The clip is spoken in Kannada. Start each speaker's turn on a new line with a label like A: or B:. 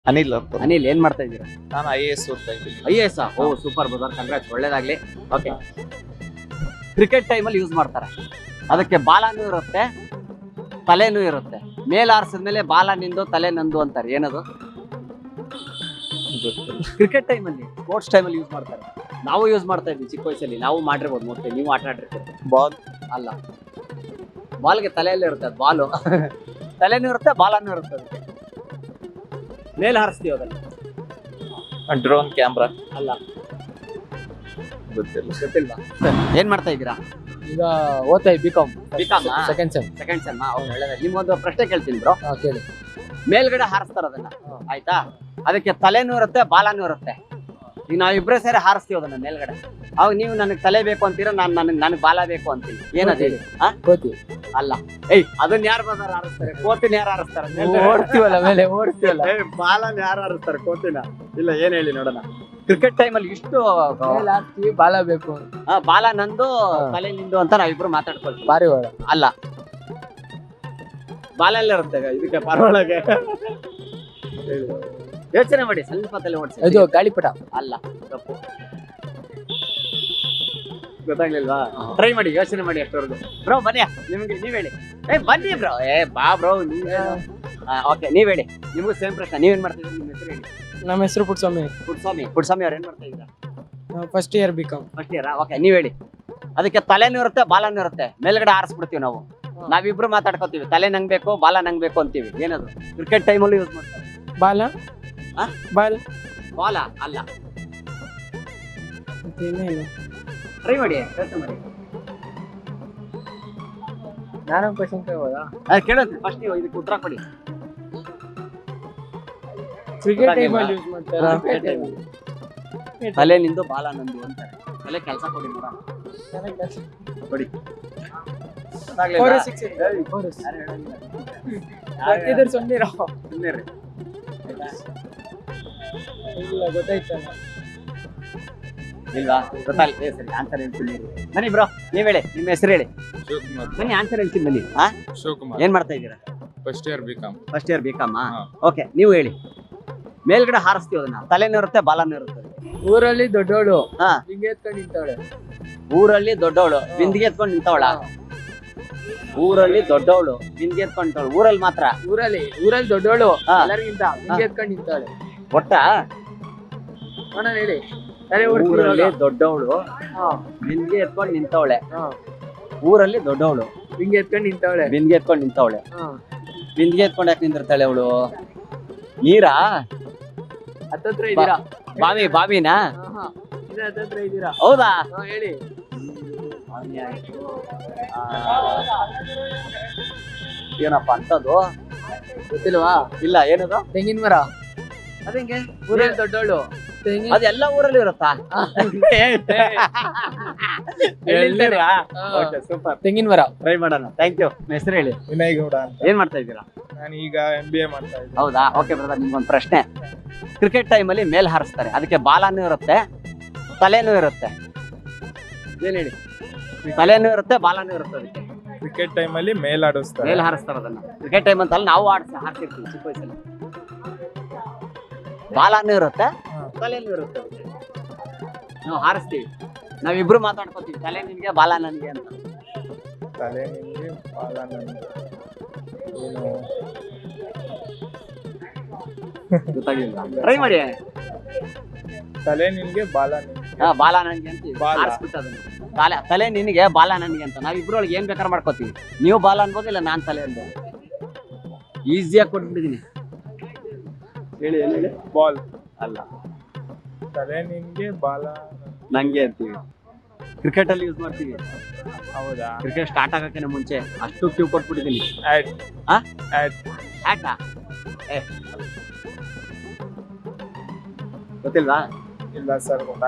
A: ಅನಿಲ್ ಅಂತ.
B: ಅನಿಲ್ ಏನ್ ಮಾಡ್ತಾ ಇದ್ದೀರಾ?
A: ನಾನು IAS ಓದ್ತಾ ಇದ್ದೀನಿ.
B: IAS oh super brother, congrats, ಒಳ್ಳೇದಾಗ್ಲಿ. ಓಕೆ, ಕ್ರಿಕೆಟ್ ಟೈಮಲ್ಲಿ ಯೂಸ್ ಮಾಡ್ತಾರೆ, ಅದಕ್ಕೆ ಬಾಲನೂ ಇರುತ್ತೆ ತಲೆನೂ ಇರುತ್ತೆ. ಮೇಲ್ ಆರಿಸಿದ್ಮೇಲೆ ಬಾಲ ನಿಂದು ತಲೆ ನಂದು ಅಂತಾರೆ, ಏನದು? ಕ್ರಿಕೆಟ್ ಟೈಮಲ್ಲಿ, ಸ್ಪೋರ್ಟ್ಸ್ ಟೈಮಲ್ಲಿ ಯೂಸ್ ಮಾಡ್ತಾರೆ. ನಾವು ಯೂಸ್ ಮಾಡ್ತಾ ಇದ್ವಿ ಚಿಕ್ಕ ವಯಸ್ಸಲ್ಲಿ, ನಾವು ಮಾಡಿರ್ಬೋದು, ಮೋಸ್ಟ್ಲಿ ನೀವು ಆಟ ಆಡಿರ್ತೀರಿ.
A: ಬಾಲ್
B: ಅಲ್ಲ, ಬಾಲ್ಗೆ ತಲೆಯಲ್ಲೇ ಇರುತ್ತೆ, ಅದು ಬಾಲು ತಲೆನೂ ಇರುತ್ತೆ ಬಾಲನೂ ಇರುತ್ತೆ, ಅದಕ್ಕೆ ಮೇಲ್ ಹಾರಿಸ್ತೀವಿ ಅದನ್ನು.
A: ಡ್ರೋನ್ ಕ್ಯಾಮ್ರಾ
B: ಅಲ್ಲ,
A: ಗೊತ್ತಿಲ್ಲ.
B: ಗೊತ್ತಿಲ್ವಾ? ಏನ್ ಮಾಡ್ತಾ ಇದ್ದೀರಾ?
C: ಈಗ ಓದ್ತಾ BCom
B: BCom
C: second sem.
B: Second sem. ಒಳ್ಳೆದಾಗಿ. ನಿಮ್ಗೊಂದು ಪ್ರಶ್ನೆ ಕೇಳ್ತೀನಿ ಬ್ರೋ.
C: ಕೇಳಿ.
B: ಮೇಲ್ಗಡೆ ಹಾರಿಸ್ತಾರ ಅದನ್ನ, ಆಯ್ತಾ? ಅದಕ್ಕೆ ತಲೆನೂ ಇರುತ್ತೆ ಬಾಲನೂ ಇರುತ್ತೆ. ಈಗ ನಾವಿಬ್ರೇ ಸೇರಿ ಹಾರಿಸ್ತೀವಿ ಅದನ್ನ ಮೇಲ್ಗಡೆ. ಅವಾಗ ನೀವು ನನಗೆ ತಲೆ ಬೇಕು ಅಂತೀರಾ, ನನಗೆ ಬಾಲ ಬೇಕು ಅಂತೀನಿ. ಏನದು ಹೇಳಿ?
C: ಕೋತಿ.
B: ಅಲ್ಲ, ಏಯ್ ಅದನ್ನ ಯಾರು ಬದಾರ ಹಾರಿಸ್ತಾರೆ? ಕೋತಿನ ಯಾರು ಹಾರಿಸ್ತಾರೆ?
C: ಓಡ್ತೀವಲ್ಲ ಮೇಲೆ, ಓಡ್ತೀವಲ್ಲ.
B: ಬಾಲನ ಯಾರು ಹಾರಿಸ್ತಾರೆ? ಕೋತಿನ? ಇಲ್ಲ, ಏನ್ ಹೇಳಿ ನೋಡೋಣ. ಕ್ರಿಕೆಟ್ ಟೈಮಲ್ಲಿ ಇಷ್ಟು
C: ಮೇಲೆ ಹಾಕ್ತೀವಿ, ಬಾಲ ಬೇಕು.
B: ಬಾಲ ನಂದು ತಲೆ ನಿಂದು ಅಂತ ನಾವಿಬ್ರು ಮಾತಾಡ್ಕೊಳ್ತೀವಿ.
C: ಬಾರಿ ಒಳ.
B: ಅಲ್ಲ, ಬಾಲ ಎಲ್ಲ ಇರುತ್ತೆ ಇದಕ್ಕೆ ಪರವೊಳಗೆ. ಯೋಚನೆ ಮಾಡಿ, ಸ್ವಲ್ಪ ತಲೆ ಓಡಿಸಿ.
C: ಇದು ಗಾಳಿಪಟ.
B: ಅಲ್ಲ, ತಪ್ಪು. ಗೊತ್ತಾಗ್ಲಿಲ್ವಾ? ಟ್ರೈ ಮಾಡಿ, ಯೋಚನೆ ಮಾಡಿ ಅಷ್ಟವರೆಗೂ. ಬ್ರೋ ಬನ್ನಿ, ನಿಮ್ಗೆ ನೀವ್ ಹೇಳಿ. ಬನ್ನಿ ಬ್ರೋ. ಬಾ ಬ್ರೋ. ಓಕೆ, ನೀವ್ ಹೇಳಿ. ನಿಮ್ಗೂ ಸೇಮ್ ಪ್ರಶ್ನೆ. ನೀವೇನ್ ಮಾಡ್ತಿದ್ದೀರಿ? ನಿಮ್ಮ ಹೆಸರು ಹೇಳಿ.
C: ನಮ್ಮ ಹೆಸರು ಪುಟ್ಸ್ವಾಮಿ.
B: ಪುಟ್ಸ್ವಾಮಿ ಅವ್ರು ಏನ್ ಮಾಡ್ತಾ ಇದ್ದೀರಾ?
C: First year BCom.
B: First year. Okay, ನೀವ್ ಹೇಳಿ. ಅದಕ್ಕೆ ತಲೆನೂ ಇರುತ್ತೆ ಬಾಲನೂ ಇರುತ್ತೆ, ಮೇಲ್ಗಡೆ ಹಾರಿಸ್ಬಿಡ್ತೀವಿ ನಾವು. ನಾವಿಬ್ರು ಮಾತಾಡ್ಕೋತೀವಿ, ತಲೆ ನಂಗ್ ಬೇಕು ಬಾಲ ನಂಗ್ ಬೇಕು ಅಂತೀವಿ. ಏನದು? ಕ್ರಿಕೆಟ್ ಟೈಮಲ್ಲಿ ಯೂಸ್ ಮಾಡ್ತಾರೆ.
C: ಬಾಲ. ಬಾಲ್.
B: ಬಾಲ ಅಲ್ಲ.
C: ಇನ್ನೇನು?
B: ಟ್ರೈ ಮಾಡಿ, ಯೋಚನೆ ಮಾಡಿ.
C: ನಾನು ಕ್ವಶನ್ ಕೇಳ್ಬೋದಾ?
B: ಕೇಳೋದು ಫಸ್ಟ್, ನೀವು ಇದಕ್ಕೆ ಉತ್ತರ ಕೊಡಿ.
C: ಕ್ರಿಕೆಟ್ ಟೈಮಲ್ಲಿ ಯೂಸ್ ಮಾಡ್ತಾರಾ?
B: ತಲೆ ನಿಂದು ಬಾಲ ನಂದು ಅಂತಾರೆ. ತಲೆ ಕೆಲಸ ಕೊಡಿ ನೋಡ, ಕೊಡಿ.
C: ಇಲ್ಲ, ಗೊತ್ತಾಯ್ತಲ್ಲ.
B: ಇಲ್ವಾ? ಗೊತ್ತಾಗ್ಲಿ. ಸರಿ, ಆನ್ಸರ್ ಹೇಳ್ತೀನಿ. ಬನ್ನಿ ಬ್ರೋ, ನೀವ್ ಹೇಳಿ. ನಿಮ್ಮ ಹೆಸರು ಹೇಳಿ. ಬನ್ನಿ, ಆನ್ಸರ್ ಹೇಳ್ತೀನಿ ಬನ್ನಿ.
A: ಶಿವಕುಮಾರ್.
B: ಏನ್ ಮಾಡ್ತಾ ಇದ್ದೀರಾ?
A: First year BCom.
B: First year BCom. Okay, ನೀವು ಹೇಳಿ. ಮೇಲ್ಗಡೆ ಹಾರಿಸ್ತೀವಿ ಅದನ್ನ, ತಲೆನೂ ಇರುತ್ತೆ ಬಾಲನೂ ಇರುತ್ತೆ.
C: ಊರಲ್ಲಿ ದೊಡ್ಡೋಳು
B: ಹಾ,
C: ಹಿಂಗೆ ಎತ್ಕೊಂಡು ನಿಂತವಳೆ.
B: ಊರಲ್ಲಿ ದೊಡ್ಡವಳು ಬಿಂದಿಗೆ ಎತ್ಕೊಂಡು ನಿಂತವಳ? ಊರಲ್ಲಿ ದೊಡ್ಡವಳು ಬಿಂದಿಗೆ ಎತ್ಕೊಂಡು ನಿಂತವಳು. ಊರಲ್ಲಿ ಮಾತ್ರ?
C: ಊರಲ್ಲಿ ದೊಡ್ಡೋಳು
B: ಹಾ.
C: ಎಲ್ಲರಿಗಿಂತ ಹಿಂಗೆ ಎತ್ಕೊಂಡು ನಿಂತವಳೆ.
B: ಒಟ್ಟ
C: ಅಣ್ಣ ಹೇಳಿ. ತಲೆ
B: ಊರಲ್ಲಿ ದೊಡ್ಡವಳು ಬಿಂದಿಗೆ ಎತ್ಕೊಂಡು ನಿಂತವಳೆ. ಊರಲ್ಲಿ ದೊಡ್ಡವಳು
C: ಹಿಂಗೆ ಎತ್ಕೊಂಡು ನಿಂತವಳೆ.
B: ಬಿಂದಿಗೆ ಎತ್ಕೊಂಡು ನಿಂತವಳೆ. ಬಿಂದಿಗೆ ಎತ್ಕೊಂಡು ಯಾಕೆ ನಿಂದಿರ್ತಾಳೆ ಅವಳು? ನೀರಾ?
C: ಹತ್ತತ್ರ ಇದ್ದೀರಾ?
B: ಬಾವಿನಾ?
C: ಹತ್ತತ್ರ ಇದ್ದೀರಾ?
B: ಹೌದಾ?
C: ಹೇಳಿ.
B: ಏನಪ್ಪ ಅಂತದ್ದು?
C: ಗೊತ್ತಿಲ್ವಾ?
B: ಇಲ್ಲ, ಏನದು?
C: ತೆಂಗಿನ ಮರ.
B: ಅದಂಗೆ
C: ಊರಲ್ಲಿ ದೊಡ್ಡೋಳು ತೆಂಗಿನ.
B: ಅದೆಲ್ಲ ಊರಲ್ಲಿ ಇರುತ್ತಾ? ಸೂಪರ್,
C: ತೆಂಗಿನ ಮರ.
B: ಟ್ರೈ ಮಾಡೋಣ. Thank you. ಹೆಸರು ಹೇಳಿ.
A: ವಿನಯ್ ಗೌಡ ಅಂತ.
B: ಏನ್ ಮಾಡ್ತಾ ಇದ್ದೀರಾ?
A: ನಾನು ಈಗ MBA ಮಾಡ್ತಾ ಇದ್ದೀನಿ.
B: ಹೌದಾ? ಓಕೆ ಬ್ರದರ್, ನಿಮ್ಗೊಂದು ಪ್ರಶ್ನೆ. ಕ್ರಿಕೆಟ್ ಟೈಮಲ್ಲಿ ಮೇಲ್ ಹಾರಿಸ್ತಾರೆ, ಅದಕ್ಕೆ ಬಾಲನೂ ಇರುತ್ತೆ ತಲೆನೂ ಇರುತ್ತೆ. ಏನ್ ಹೇಳಿ? ತಲೆನೂ ಇರುತ್ತೆ ಬಾಲನೂ ಇರುತ್ತೆ, ಅದಕ್ಕೆ
A: ಕ್ರಿಕೆಟ್ ಟೈಮಲ್ಲಿ ಮೇಲಾಡಿಸ್ತಾರೆ.
B: ಮೇಲ್ ಹಾರಿಸ್ತಾರೆ ಅದನ್ನ. ಕ್ರಿಕೆಟ್ ಟೈಮ್ ಅಂತಲ್ಲ, ನಾವು ಹಾಕ್ತಿರ್ತೀವಿ ಚಿಕ್ಕ ವಯಸ್ಸಲ್ಲಿ. ಬಾಲನೂ ಇರುತ್ತೆ ತಲೆನೂ ಇರುತ್ತೆ, ಅದಕ್ಕೆ ನಾವು ಹಾರಿಸ್ತೀವಿ. ನಾವಿಬ್ರು ಮಾತಾಡ್ಕೋತೀವಿ, ತಲೆ ನಿನ್ಗೆ ಬಾಲ ನನ್ಗೆ ಅಂತ.
A: ತಲೆ ನಿಂಗೆ ಬಾಲ ನನಗೆ. ಏನು
B: ಗೊತ್ತಾಗಿಲ್ಲ? ಟ್ರೈ ಮಾಡಿ.
A: ತಲೆ ನಿನ್ಗೆ ಬಾಲ ನಿನ್ಗೆ.
B: ಬಾಲ ನನ್ಗೆ ಅಂತ
A: ಬಾಲ.
B: ಹಾರಿಸ್ಬಿಟ್ಟು ಅದನ್ನ. ತಲೆ ನಿನಗೆ ಬಾಲ ನನ್ಗೆ ಅಂತ ನಾವಿಬ್ರೊಳಗೆ ಏನ್ ಬೇಕಾದ್ರೆ ಮಾಡ್ಕೋತೀವಿ. ನೀವು ಬಾಲ ಅನ್ಬೋದು, ಇಲ್ಲ ನಾನ್ ತಲೆ ಅನ್ಬೋದು. ಈಸಿಯಾಗಿ ಕೊಟ್ಬಿಟ್ಟಿದೀನಿ. ಹೇಳಿ, ಏನ್ ಹೇಳಿ?
A: ಬಾಲ್
B: ಅಲ್ಲ,
A: ತಲೆ ನಿನ್ಗೆ ಬಾಲ
B: ನಂಗೆ ಅಂತೀವಿ. ಕ್ರಿಕೆಟ್ ಅಲ್ಲಿ ಯೂಸ್ ಮಾಡ್ತೀವಿ.
A: ಹೌದಾ?
B: ಕ್ರಿಕೆಟ್ ಸ್ಟಾರ್ಟ್ ಆಗಕ್ಕೆ ಮುಂಚೆ ಅಷ್ಟು ಕ್ಯೂ ಕೊಟ್ಬಿಟ್ಟಿದೀನಿ. ಹ್ಯಾಟಾ? ಗೊತ್ತಿಲ್ವಾ?
A: ಇಲ್ಲ ಸರ್.